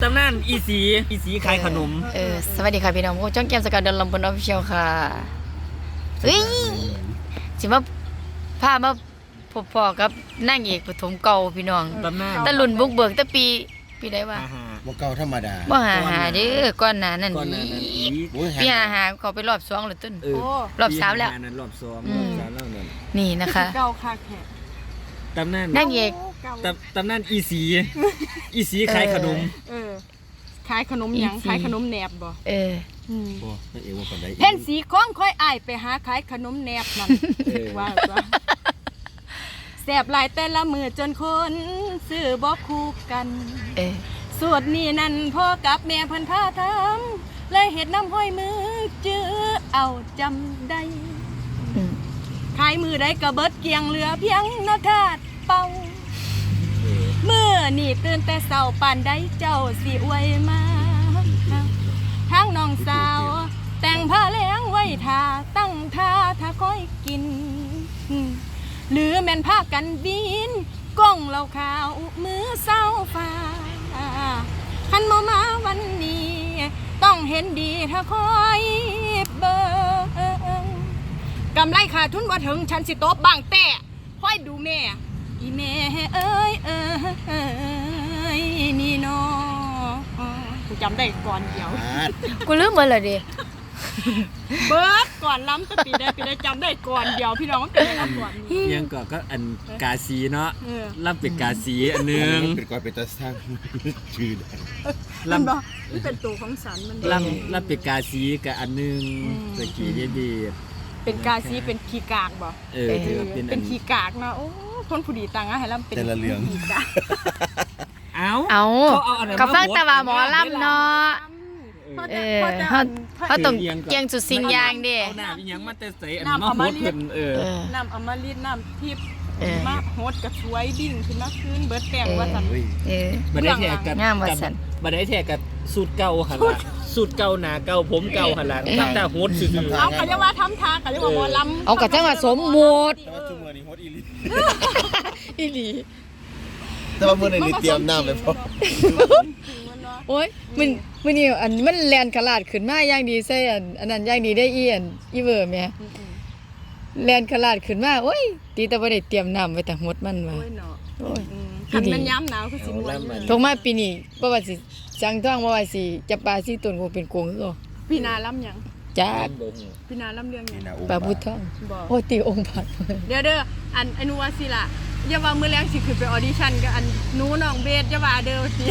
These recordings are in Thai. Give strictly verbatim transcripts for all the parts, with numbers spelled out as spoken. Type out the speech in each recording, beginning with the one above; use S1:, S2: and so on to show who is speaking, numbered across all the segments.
S1: ำนานอีสีอีสีขายขนม
S2: เออสวัสดีค่ะพี่น้องพวกจ้องแก้มสกัดเดินลำบนออฟฟิเชียลค่ะเฮ้ยสิมาพามาพบพ่อกับนางเอกปฐมเก่าพี่น้อง
S1: ตำนาน
S2: ตะลุนบุกเบิกตะปีปีใดวะ
S3: บ่เก่าธรรมดา
S2: บ่หาหาเด้อก่อนหน้านั้น
S1: ก่อนหน้านั้นอี
S2: ปีหาหาเขาไปรอบสองแล้วต้น
S1: เออ
S2: รอบสามแล้ว
S1: ปีหน้นั้นรอบสอง
S2: อื
S1: รอ
S2: ม
S1: บสามแล้วนั่น
S2: นี่นะคะ
S4: เก่าคักแท้
S1: ตำนาน
S2: นางเอก
S4: เก่า
S1: ตำตำนานอีสีอีสีขายขนม
S4: เออขายขนมหยัง
S2: อีกที
S4: ขายขนมแหนบบ่
S2: เออ
S4: อืม
S3: บ่นั่นเองว่าปานใด
S4: เพ่นสีของค่อยอ้ายไปหาขายขนมแหนบนั่น
S1: เออ
S4: ว่าว่าแซ่บหลายแต่ละมือจนคนซื้อบ่คู่กัน
S2: เออ
S4: สูตรนี้นั่นพ่อกับแม่เพิ่นพาทำเลยเฮ็ดน้ำห้อยมือจื้อเอาจำได้
S2: อืม
S4: ขายมือได้ก็เบิดเกลียงเหลือเพียงนาทาดเป่าเมื่อนี่ตื่นแต่เช้าปานใดเจ้าสิอวยมาทั้งน้องสาว แต่งผ้าแล้งไว้ท่าตั้งท่าถ้าค่อยกิน หรือแม่นผ้ากันบินก้องเหล่าขาวมือเศร้าฟ้าคันมามาวันนี้ ต้องเห็นดีถ้าคอยเบิ่งกำไรขาดทุนว่าถึงฉันสิโต๊ะบางแต่คอยดูแม่อีแม่เอ้ยเอ้ยนี่น้อกูจำได้ก่อนเดียว
S3: อาด
S2: กูลืมหมดเลยดิ
S4: เบิร์ดก่อนล้ำก็ปีได้ปีได้จำได้ก่อนเดียวพี่น้องเป็นอะไรก่อนนี้
S1: ยังก็ก็อันกาสีเนาะ
S4: เออ
S1: ล่ำเป็นกาสีอันหนึง
S3: เป็นก่อนเป็นตาสร้างชื่อได้
S4: มัน
S1: ล่ำ
S4: บอกมันเป็นตัวของสันมัน
S1: ล่ำล่ำเป็นกาสีกับอันหนึง
S4: อืม
S1: ตะกี้เดียด
S4: เป็นกาซีเป็นขี้กากบ่
S1: เออถือว่าเป็นอั
S4: เป็น นขี้กากเนาะโอ้คนผู้ดีตังอะให้ล้ำเป็น
S3: แต่ละเรื่อง
S4: ขี้กาก
S1: เอ้า
S2: เอา
S1: เขาเอาอันนั้น
S2: เขาฟัง
S1: มาโพสต์
S2: แต่ว่าหมอลำเนาะ เออเขาเขาต้องเกียงสุดสิ่งอย่างเด้
S1: เอาหน้าอีหยังมาแต่ใส่อันมาโพสต์เพิ่นเออ
S2: เออ
S4: น้ำอมฤตน้ำทิพย์
S2: เออ
S4: มาโฮดกระช่วยดิ่งขึ้นมาคืนเบิร์ดแปลงว่าสัน
S3: เฮ้ย
S2: เออ
S1: บัดได้แทกกับ
S2: งามว่าซั่น
S1: บัดได้แทกกับสูตรเก่าหั่นล่ะสูตรเก่าหน้าเก่าผมเก่าหั่นล่ะตั้งแต่โฮสต์ซื่อ
S4: เอาเขาจะว่าทำทางเขาจะว่าหมอลำ
S2: เอากระจังว่าสมมุติ
S3: แต่ว่าชั่วโมงนี้ฮอตอีหลี
S2: อีหลี
S3: แต่ว่ามื้อนี้เตรียมน้ำไปพอ
S2: โอ้ยมันมันนี่อันมันแลนขลาดขึ้นมาอย่างดีใส่อันอันนั้นอย่างดีได้อีอันอีเวอร์แม่แลนขลาดขึ้นมาโอ้ยตีแต่บ่ได้เตรียมน้ำไว้แต่หดมันว่า
S4: โอ้ยเนาะ
S2: โอ้ย
S4: อืมคันมันย้ำหนาวคือสิมวนอยู่
S2: ทงมาปีนี้บ่ว่าสิจังท้องบ่ว่าสิจับปลาสิต้นคงเป็นโกงคือเก่า
S4: พี่นาล้ำหยัง
S2: จ้า
S1: ๆบ่ฮู้
S4: พี่นาล้ำเรื่องหยัง
S3: นี่นะโอ้
S2: ปลาพุทธทอง
S4: บอก
S2: โอ้ตีองค์บาท
S4: เดี๋ยวเด้ออันอนุวาสิล่ะอย่าว่ามื้อแรงสิขึ้นไปออดิชั่นกับอันหนูน้องเบสอย่าว่าเด้อสิ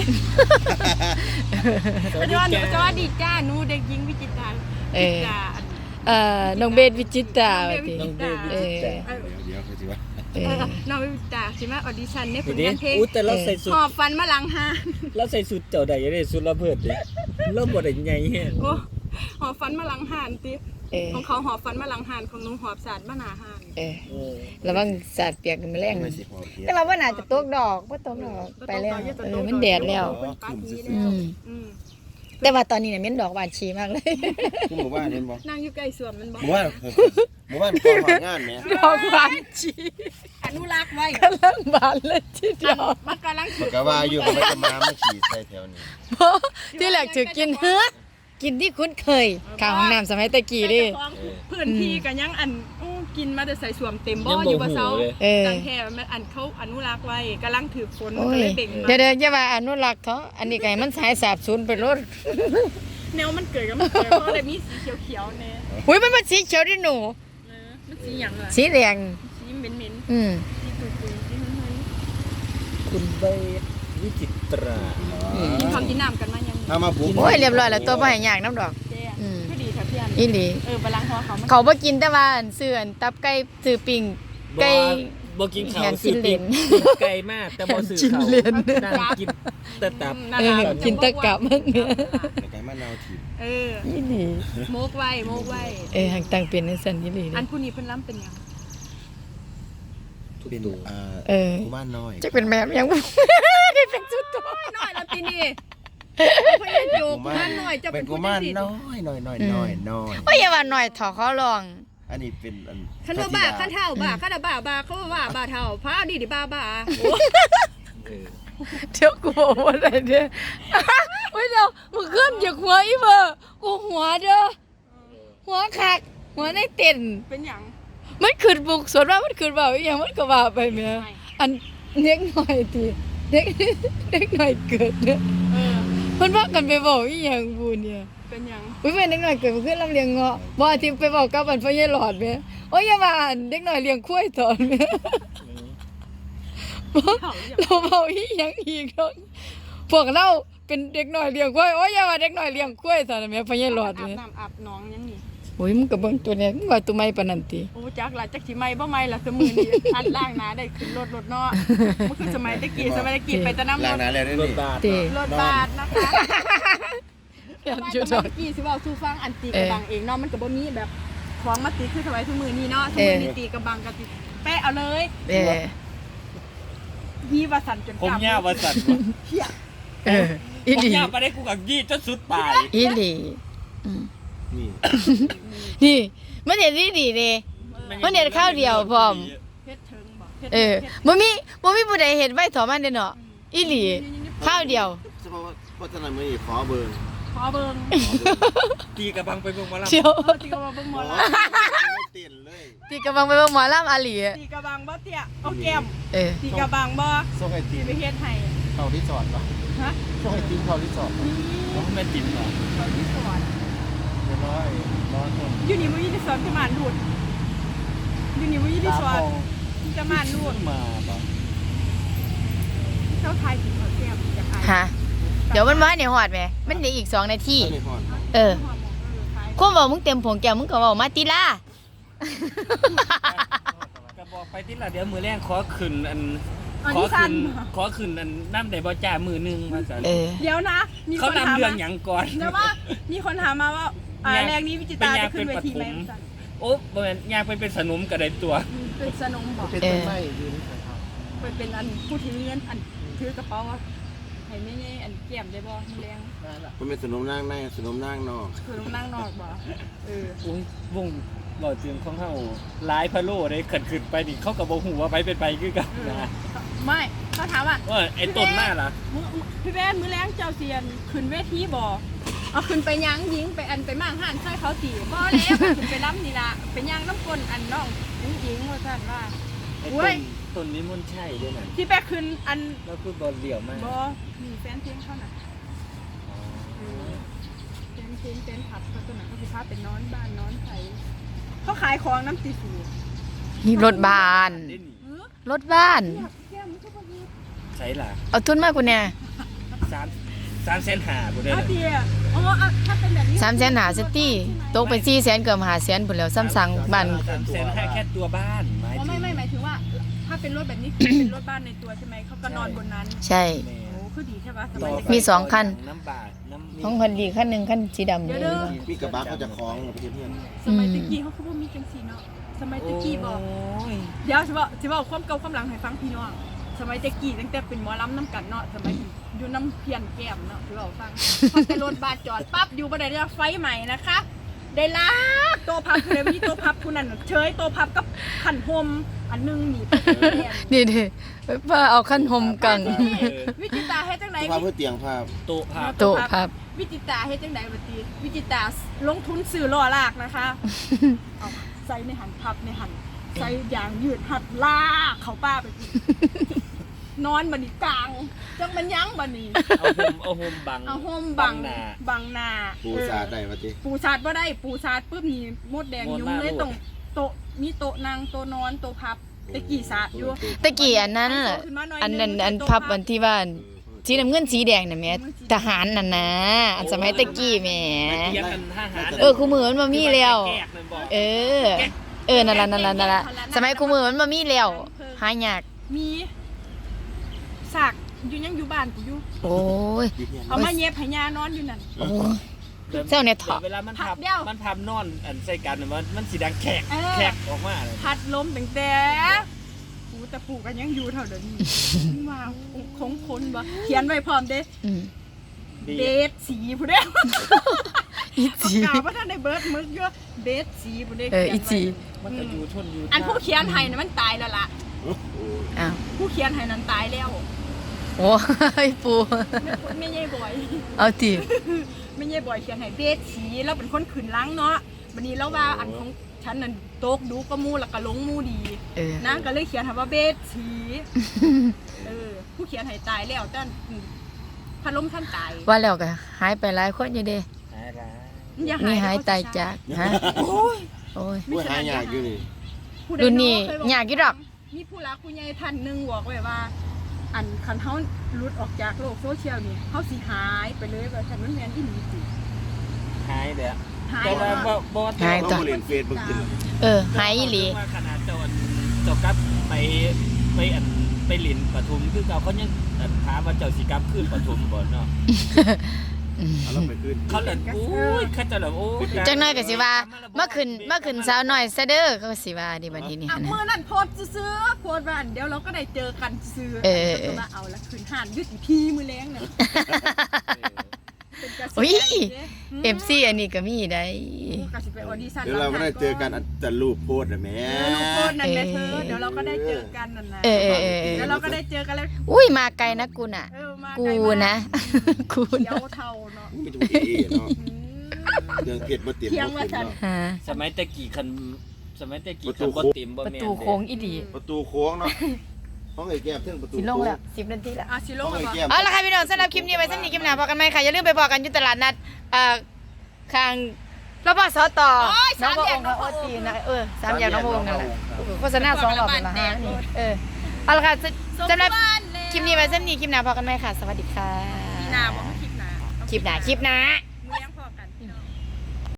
S4: จะว่าจะว่าดีจ้าหนูเด็กหญิงวิจิตรา
S2: เออ
S4: จ้าอัน
S2: เอ่อน้องเบสวิจิตราว่าติ
S1: น้องเบสวิ
S2: เอ
S1: จิ
S2: อ
S1: ตรา
S4: เออ
S3: เดี๋ยวเดี๋ยวเขาสิว่า
S2: เอ
S4: เอ
S2: อ
S4: อน้องวิจิตราสิมาออดิชั่นในผ
S1: นี่
S4: ล
S1: ดิ
S4: งานเพลง
S1: อู้แต่เราใส่สุด
S4: หอบฟันมาหลังหา
S1: เราใส่สุดเจ้าใดได้สุดระเบิดดิเราบ่ได้ใหญ่แฮง
S4: โอ้หอบฟันมาหลังหานติ
S2: เออ
S4: ของเขาหอบฟันมาหลังหานของหนูหอบสาดมาหน้าหาน
S2: เออ
S1: เออ
S2: ระวังสาดเปียกกันแมลง
S3: ไม่สิพอเพีย
S2: แต่ว่าบ่น่าจะตกดอกบ่ตกดอกไปแล้วเออมันแดดแล้ว
S4: เป็นปาร์ตี้
S2: อื
S4: แล้ว
S2: ม
S4: อืม
S2: แต่ว่าตอนนี้เนี่ยเหม็นดอกหวานชีมากเลย
S3: คือหมู่บ้านเห็นบ่
S4: นั่งอยู่ใกล้สวนมันบอก
S3: หมู่บ้านหมู่บ้านก่อนหางานแหม
S2: ดอกหวานชี
S4: อนุรักษ์ไว้
S2: กำลังบานเลยทีเดียว
S4: มันกำลัง
S3: มันก็ว่าอยู่มันจะมามาขี่ใส่แถวนี้
S2: เพราะที่แรกถือกินเฮ้อกินที่คุ้นเคยข้าวห้องน้ำสมัยตะกี้ดิ
S4: พื้นที่กันยังอันอู้กินมาแต่ใส่สวมเต็มบ่
S1: ยัง
S4: อ
S1: บ่
S4: ยู่บ่
S1: ฮู้
S4: เซา
S1: เลย
S2: เออ
S4: ตังแท้มันอันเขาอนุรักษ์ไว้กำลังถือฝนมัน
S2: โอ้
S4: ก็
S2: ย
S4: เลยเบ่งมา
S2: เดี๋ยวเดี๋ยวอย่าว่าอนุรักษ์เขาอันนี้ไงมันสายสาบสูญไปรถ
S4: แนวมันเกิดกับมันเกิดเพราะอะไรมีสีเขียวๆแน่
S2: อุ้ยมันเป็นสีเขียวดิหนู
S4: เออมันสีหยังล่ะ
S2: สีแดง
S4: สีเหม็น
S2: อืม
S4: ๆสีตุ่ยๆสีมัน
S1: คุณเบสวิจิตรา
S4: ๆกินข้าวกินน้ำกันมายัง
S3: ถ้ามาบุก
S2: โอ้ยเรียบร้อยแล้วตัวบ่ให้ยากน้ำดอก
S4: แจ้
S2: อืม
S4: ก็ดีค่ะพี่อัน
S2: อีหลี
S4: เออบาลังก์ของเขามัน
S2: เขาบ่กินแต่ว่าอันซื้ออันตับไก่ซื้อปิ้งไก่
S1: บ่กินข้าว
S2: แหน
S1: ซื้อ
S2: กินเหรี
S1: ปิ้
S2: ย
S1: ง
S2: ญ
S1: ไก่มากแต่บ่ซื้อ
S2: กิน
S1: ข้าว
S2: เหรียญ
S1: นั่งกินแต่ตับ
S2: เออกินแตะกะมันเนี่ย
S3: แต่ไก่มะนาวถีบ
S4: เออ
S2: อีหลี
S4: โมกไว้โมกไว้
S2: เออหังตังเป็นจังซั่นอีหลี
S4: อั
S2: เด้
S4: นผู้นี้เพิ่นล้ำเป็นหยัง
S1: ทุก
S3: เป็น
S1: ตัว
S3: อ่า
S2: เออ
S3: หมู่บ้านน้อย
S2: จักเป็นแม่ยังบ่ได้เป็นสุดตัว
S4: น้อยแล้วปีนี้พยานโยกท่านหน่อยจะ
S3: เป็
S4: เป็น น
S3: หมู่
S4: ผู้
S3: บ้าน
S4: ที่
S3: น้อยน้อยน้อยน้อยน้อย
S2: โอ้ยอย่าว่าหน่อยเถาะเขาลอง
S3: อันนี้เป็นอัน
S4: ขันว่าบ้าขันเท่าบ้าขันบ้าบ้าเขาว่าบ้าเท่าพระดีดิบ้าบ้า
S1: เออ
S2: เดี๋ยวกูบอกว่าอะไรเนี่ยมึงขึ้นจากหัวอีเบอร์กูหัวเด้อหัวคักหัวในเต็น
S4: เป็นหยัง
S2: มันขึ้นบุกสวนว่ามันขึ้นเบาอีหยังมันก็ว่าไปแม่อันเด็กหน่อยติเด็กเด็กหน่อยเกิดเด้อ
S4: เออ
S2: เพิ่นว่ากันไปบอกอีหยังบูเนี่ย
S4: เป็นหยัง
S2: อุ้ยแม่เด็กหน่อยเกิดมาขึ้นลำเลียงเงาะบ่อาทิตย์ไปบอกกับอันพ่อใหญ่หลอดแม่โอ้ยอย่าว่าอันเด็กหน่อยเลี้ยงควายตอนแม่เราเว้าอีหยังอีกเนาะพวกเราเป็นเด็กหน่อยเลี้ยงควายโอ้ยอย่าว่าเด็กหน่อยเลี้ยงควายตอนแม่พ่อใหญ่หลอด
S4: อาบ
S2: แม่
S4: น้ำอาบหน้องยังนี่
S2: โอ้ยมึงก็เบิ่งตัวเนี้ยมึงว่าตัวใหม่ปานนั้นติ
S4: โอ้จักล่ะจักสิไม่บ่ไม่ล่ะสมือนี่อันล่างหนาได้ขึ้นรถรถเนาะมันคือสมัยตะกี้สมัยตะกี้ไปแตะน้ำร
S3: ล้าง
S4: ถ
S3: หน้าแล้วได้
S1: ร
S3: นี่
S1: ถบาท
S2: ติ
S4: รถบาทนะคะ
S2: อย่า
S4: สมัย
S2: จุด
S4: ตะ
S2: ดอก
S4: กี้สิเว้าสู่ฟังอันตีกระบังเองเนาะมันก็บ่มีแบบของมาตีคือสมัยทุกมือนี้เนาะทุกมือนี้ตีกระบังก็ติแปะเอาเลย
S2: เอ้ย
S4: ยีว่าสั่นจน
S1: ผม
S4: กลับ
S1: ยาวว่าสั่น
S4: เหี้ย
S2: เอออี
S1: ผม
S2: หลี
S1: ยาวไปได้กูกับยี่จนสุดปลาย
S2: อีหลีอืม
S3: นี่
S2: นี่มันเห็นดีดีเด้ มันเห็นข้าวเดียวพร้อม
S4: เพชรเทิงบ่พชร
S2: เออบ่มีบ่มีผู้ใดเห็นไว้ถอมันเด้อเนาะอีหลีข้าวเดียว
S3: เฉพาะว่าพัฒนามือนี่ขอเบอร์
S4: ขอเบิ่ง
S1: ตีกระบังไปเบิ่งหมาแล้ว
S2: เชียว
S4: เออตีกระบังเบิ่งหมอล
S3: ไม่เต้นเลย
S2: ที่กำลังไปเบิ่งหมอลำอาหลี
S4: ำตีกระบังบ่เตี้ยเอาแก้ม
S2: เออ
S4: ตีกระบังบ่
S3: ส่งไอติ
S4: ตี
S3: ม
S4: ไปเฮ็ดให้
S3: เข้าที่สอนป่ะ
S4: ฮะ
S3: ส่งไอติมเข้าที่สอน
S4: นี่
S1: ผมแม่นติ่มเหรอ
S4: เขาที่สอน
S3: เรียบร้อยร้อนคน
S4: อยู่นี่บ่ยีที่สอนจะมานรูดอยู่นี่บ่ยีที่สอนจะมานรูด
S1: มาบ่
S4: เจ้าทายกินข้าวแก้มจะขาย
S2: ฮะเดี๋ยวมันมาเนี่ยฮอดแหมมันเหลืออีกสองนาที
S3: ไม่พอ
S2: เออควบเว้ามึงเต็มผงแก้วมึงก็เว้ามาติล่ะ
S1: ก็บอกไปติละเดี๋ยวมือแรงขอขึ้นอัน
S4: อัน
S1: ขอ
S4: ที่สั้
S1: ขึ้
S4: น
S1: นขอขึ้นอันน้ำได้บ่จ้ามือหนึงว่าซั่น
S2: เออ
S4: เดี๋ยวนะ มีค
S1: เขา
S4: นถาม
S1: นำเรื่อง
S4: มา
S1: หยังก่อน
S4: เดี๋ยวว่ามีคนถามมาว่าอ่า
S1: ยัง
S4: แรงนี้วิจิตราจะขึ้นเวทีไหม
S1: เป็นปฐม
S4: สั่น
S1: โอ้บ่แม่นยางไปเป็นสนมก็ได้ตัว
S4: เป็นสนมบอก
S3: เป็นต้นไม้ยืนใส่ครับ
S4: เป็นเป็นอันผู้ถือเงินอันถือกระเป๋าอะให้ไม่ใช่อันแก้มได้บ่มีแรง
S3: มันเป็นสนมนั่งในสนมนั่งนอก
S4: คือต้องนั่งนอกบ่เออ
S1: อุ้ยวงบ่เตียงของเฮาหลายพะโล้ได้ขึ้นขึ้นไปนี่เขาก็บ่ฮู้ว่าไปเป็นไปคือกันนะ
S4: ไม่เขาถามว่า
S1: ว่าไอ้ต้นมาล่ะ
S4: มื้อพี่แว่นมื้อแรงเจ้าเซียนขึ้นเวทีบ่เอาขึ้นไปย่างยิงไปอันไปมั่งห่านใส่เขาตีบ่แล้วขึ้นไปล้ำนี่ล่ะไปย่างน้ำก้นอันน้องยิงยิงว่าซั่นว่า
S1: ไอ้
S4: โอ้
S1: ต้
S4: ย
S1: นต้นนี้มันใช่ด้วยนั่น
S4: ที่ไปขึ้นอัน
S1: แล้วคือบ่เลี้ยวมาก
S4: บ่มีแฟนเพลงเขาน่ะเออแฟนเพลงแฟนผับเขาตัวนั้นเขาสิพาเป็นนอนบ้านนอนไผเขาขายของน้ำตีสู
S2: นี่รถบ้าน
S1: ได้นี่
S4: เออ
S2: รถบ้าน
S4: เนี่ยแก้มมันก็บ่มี
S1: ใช่ล่ะ
S2: เอาทุนมากูเนี่ย
S1: สามสามแสนห้าบ่ได้
S4: เอา
S1: น่ะ
S4: เดียอ๋ออ่ะถ้าเป็นแบบนี้
S2: สามแสนหาสตี้ตกไปสี่แสนเกือบห้าแสนพุ่นแล้วซ้ำสั่งบ้าน
S1: สามแสนห้าแค่ตัวบ้านหมาย
S4: อ๋อ
S1: ถึ
S4: ไม่
S1: ง
S4: ไม่หมายถึงว่า ถ้าเป็นรถแบบนี้คือเป็นรถบ้านในตัวใช่ไหมเขาก็นอนบนนั้น
S2: ใช่
S1: แม่
S4: โอ้คือดีใช่ปะสบายใจ
S2: มีสองคัน
S1: น้ำบาดน้ำ
S2: ของคนดีคันหนึงคันสีดำ
S4: เดี๋ยว
S2: เล
S4: เด้
S2: ย
S4: อ
S3: มีกระบะเขาจะคล้องเราไปเพื่อน
S4: สมัยตะกี้เขาคือว่ามีจังสีเนาะสมัยตะกี้บอก
S1: โอ้ย
S4: เดี๋ยวสิบอกสิบอกความเก่าความหลังให้ฟังพี่น้องสมัยตะกี้ตั้งแต่เป็นหมอลำน้ำกันเนาะสมัยอยู่น้ำเพียนแก้มเนาะสิบอกฟังพอแต่รถบาดจอดปั๊บอยู่บันไดเรือไฟใหม่นะคะ ได้ลากโตะพับเลยมีโตะพับคุณนั่นเฉยโตะพับกับขันโฮมอันหนึงหนีบไปแก้ม
S2: นี่ดิป้าเอาขั้นหมกัง
S4: วิจิตาเฮ็ดจังได
S3: ๆภาพเพื่อเตียงภาพ
S1: โต๊ะภาพ
S2: โต๊ะพับ
S4: วิจิตาเฮ็ดจังไดบัดนี้วิจิตาลงทุนซื้อล้อลากนะคะ เอาใส่ในหันพับในหันใส่ยางยืดหัดลากเขาป้าไปอีกนอนบัดนี้กลางจังมันยั้งบัดนี้
S1: เอาโฮมเอาโฮมบัง
S4: เอาโฮมบัง
S1: หน้า
S4: บังหน้า
S3: ปูสาดได้ปะจิ
S4: ปูสาดบ่ได้ปูสาดปุ๊บนี่มดแดง
S1: มด
S4: ยุ่ง
S1: มา
S4: เลย
S1: โลด
S4: ตรงโต๊ะมีโต๊ะนั่งโต๊ะนอนโต๊ะพับตะกี้สาดอยู่
S2: ตะกี้อันนั้นน่ะอันนั้นอันพับอันที่ว่าสีน้ำเงินสีแดงน่ะแม่ทหารน่ะนะอันสมัยตะกี้แหม่
S1: เทียบกันทหาร
S2: เออคู่มือมันบ่มีแล้ว
S1: แกกมันบอก
S2: เออ เออนั่นล่ะนั่นล่ะนั่นล่ะสมัยคู่มือมันบ่มีแล้วหายาก
S4: มีสากอยู่ยังอยู่บ้านกูอยู่
S2: โอ้ย
S4: เอามาเย็บให้ยานอนอยู่นั่น
S2: โอ้ย เจ้าเนี่ยเถาะ
S1: เวลามัน
S4: พั
S1: พั
S4: บบ เดียว
S1: มันพับนอนอันใส่กันน่ะมันมันสีดังแขก
S4: เออ
S1: แขกออกมาเลย
S4: พัดลมตั้งแต่ปูแต่ปูกันยังอยู่เท่าเดิมนี้ว้าวคงคนบ่เขียนไว้พร้อมเด้
S2: อืม
S1: ดี
S4: เบสสีผู้เด้
S2: อีจี
S4: กล่าวว่าท่านได้เบิร์ดมึกเยอะเบสสีผู้เด้
S2: เอออีจี
S1: มันก็อยู่ทนอยู่
S4: อันผู้เขียนให้น่ะมันตายแล้วล่ะ
S2: อ้าว
S4: ผู้เขียนให้นั้นตายแล้ว
S2: โอ้ยปู
S4: ไม่ใช่บ่อย
S2: เอาติ
S4: ายบอยเขียนให้เบสสีเราเป็นคนขืนล้างเนาะวันนี้เราว่าอันของฉันนั่นโต๊กดูก็มูแล้วก็ลงมูดี
S2: เออ
S4: นางก็เลยเขียนคำว่าเบสสีเออผู้เขียนให้ตายแล้วแต่พัดลมท่านตาย
S2: ว่าแล้วก็หายไปหลายคนอยู่เด้
S1: หายร้าย
S4: อย่
S2: นี่หายตายจากฮะโอ้ย
S3: ผู้หายยากอยู่นี่
S4: ผู้ใ
S2: รุ่นนี้
S4: เคบ
S2: ยากอยู่ดอก
S4: มีผู้รักผู้ใหญ่ท่านหนึงบอกไว้ว่า อันคันเฮาหลุดออกจากโลกโซเชียลนี่เฮาสิหายไปเลยว่าฉันมันแม่นอีหลีติ
S1: หายเด้อ
S4: หาย
S1: แต่ว่าบ่บ่
S2: หาย
S3: ต้องมาเล่นเฟซบุ๊กกิน
S2: เออหายอีหลี
S1: ว่าขนาดเจ้าอันเจ้ากลับไปไปอันไปหลินปทุมคือเก่าเขายังอันถามว่าเจ้าสิกลับขึ้นปทุมบ่เนาะ
S3: เอาเราไปขึ้น
S1: เขาเลยโอ้ยเขาจะแบบโอ้ย
S2: จังน้อยก็สิว่าเมื่อคืนเมื่อคืนสาวน้อยซะเด้อก็สิว่าดิบัดนี้นี่
S4: อ่ะ
S2: หั่น
S4: เมื่อ
S2: นะ
S4: นั้นโพสต์ซื้อๆโพสต์ว่าอันเดี๋ยวเราก็ได้เจอกันซื้อ
S2: เออเออ
S4: มาเอาละคืนห่านยึดอีพีมือแรงน่ะเป็นกระแส
S2: โอ้ย
S4: เด้
S2: เอฟซีอันนี้ก็มีได้
S4: กูก็สิไปออดิชั่น
S3: เดี๋ยวเราก็ได้เจอกันแต่รูปโพสต์นะแม่
S4: เออลูกโพสต์นั่นแหละเธอเดี๋ยวเราก็ได้เจอกันนั่นนะ
S2: เออเออเออเออ
S4: แล้วเราก็ได้เจอกันแล้ว
S2: อุ้ยมาไกลนะกูน่ะ
S4: เออมา
S2: กู
S4: ไลมาก
S2: นะ กู
S4: เดี๋ย
S2: นะ
S4: วเท่าเนาะ
S3: ไม่ถูกเอเนาะ
S4: อืม
S3: เรื่องเพชรบ่เต็ม
S4: เที่ยง
S3: บ่
S4: ว่า
S3: เต็ม
S4: ฉัน
S3: เนาะ
S2: ฮะ
S1: สมัยตะกี้คันสมัยตะกี้คันบ่เต็มบ่
S2: ประ
S1: แม่น
S2: ตู
S1: เด้
S2: โค้งอีดี
S3: ประตูโค้งเนาะห้องไอ้แก้มถึงประตู
S2: สิลง
S3: โค้ง
S2: แล้วสิบนาทีแล้ว
S4: อ่ะสิโล
S3: ห้อง
S4: ก
S3: ไอ้
S4: แล้ว
S3: แก้ม
S2: เอาละค่ะพี่น้องสำหรับคลิปนี้ไว้สำหรับคลิปหน้าพอกันไหมค่ะอย่าลืมไปบอกกันอยู่ตลาดนัดเอ่อข้างรบสตน้องพระองค์โอตีนะเออสามแยกน้องพระองค์นั่นแหละโฆษณาสองรอบเป็นละห้านี่เออเอาละค่ะสำหรับคลิปนี้ไว้สำหรับคลิปหน้าพอกันไหมค่ะ สวัสดีค่ะ
S4: หน้าบอกว่าคลิปหน้า
S2: คลิปหน้าคลิปหน้า